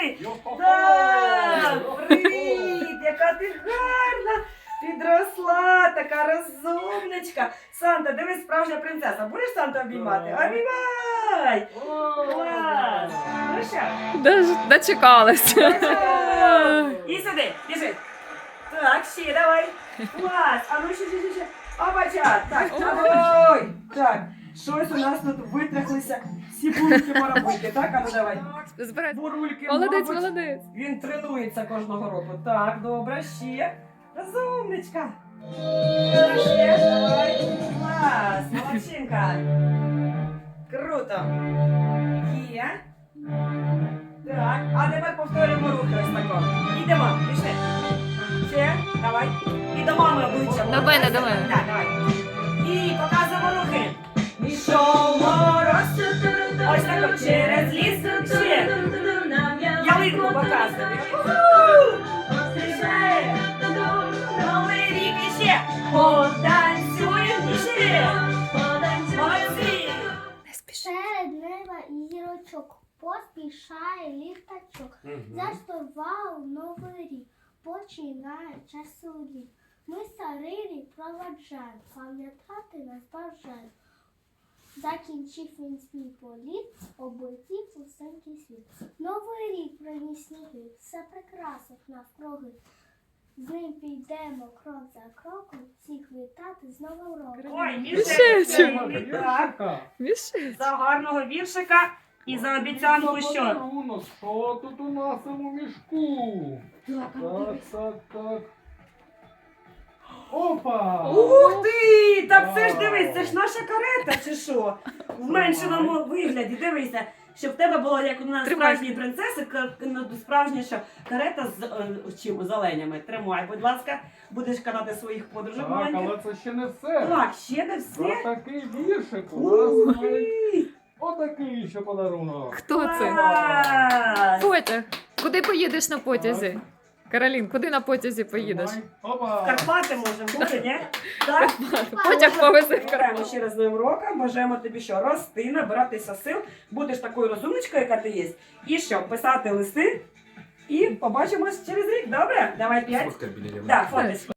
Диви. Так, привіт, яка ти гарна. Підросла, така розумничка. Санта, дивись, справжня принцеса. Будеш Санту обіймати? Обіймай! Клас! Ну що? Дочекалась. І сюди, біжи. Так, ще давай. Клас. А ну ще. Опача. Так, ой. Так, щось у нас тут витряхлися всі бурульки-марабульки. Так, а ну давай. Збирай. Бурульки, Молодець, мабуть, молодець. він тренується кожного року. Так, добре, ще. Розумничка. Ще, давай. Клас, молодчинка. Круто. Є. Так, а тепер повторюємо рухи ось тако. Йдемо, пішли. Ще, давай. І до мами обличчя. До мене, до мене. Так, давай. І показуємо рухи. Ішов мороз. Ось тако через ліс. Ще. Ялинку показуємо. Ще. Новий рік іще. Потанцюємо іще. Молодці. Не спіши. Серед неба і зірочок поспішає ліхтачок. Заспівав новий рік, починає часу рік. Ми старий рік проваджаємо, пам'ятати нас бажаємо. Закінчив він свій політ, облетів усенький світ. Новий рік приніс сніги, все прикрасить навкруги. З ним підемо крок за кроком, всіх вітати з Новим роком. Ой, Мішечок. Так. Мішечок. За гарного віршика і за обіцянку, що? Що тут у нас у мішку? Так. Опа! Ух ти! Так це ж дивись, це ж наша карета, чи що? В меншеному вигляді, дивися. Щоб в тебе було, як у нас Тримай. справжні принцеси, справжніша карета з чим? З оленями. Тримай, будь ласка, будеш канати своїх подружок Так, маленьких. але це ще не все. Так, ще не все. Отакий віршик у Ух нас. ти! Отакий ще подарунок. Хто це? Клас! Потяг. Куди поїдеш на потязі? Каролін, куди на потязі поїдеш? Опа! Карпати можемо бути, ні? Так? Потяг повезе в Вітаємо Карпати. ще раз з Новим роком, бажаємо тобі що? Рости, набиратися сил, будеш такою розумничкою, яка ти є. І що? Писати листи і побачимось через рік, добре? Давай 5. Фотка біля Так, фоточку.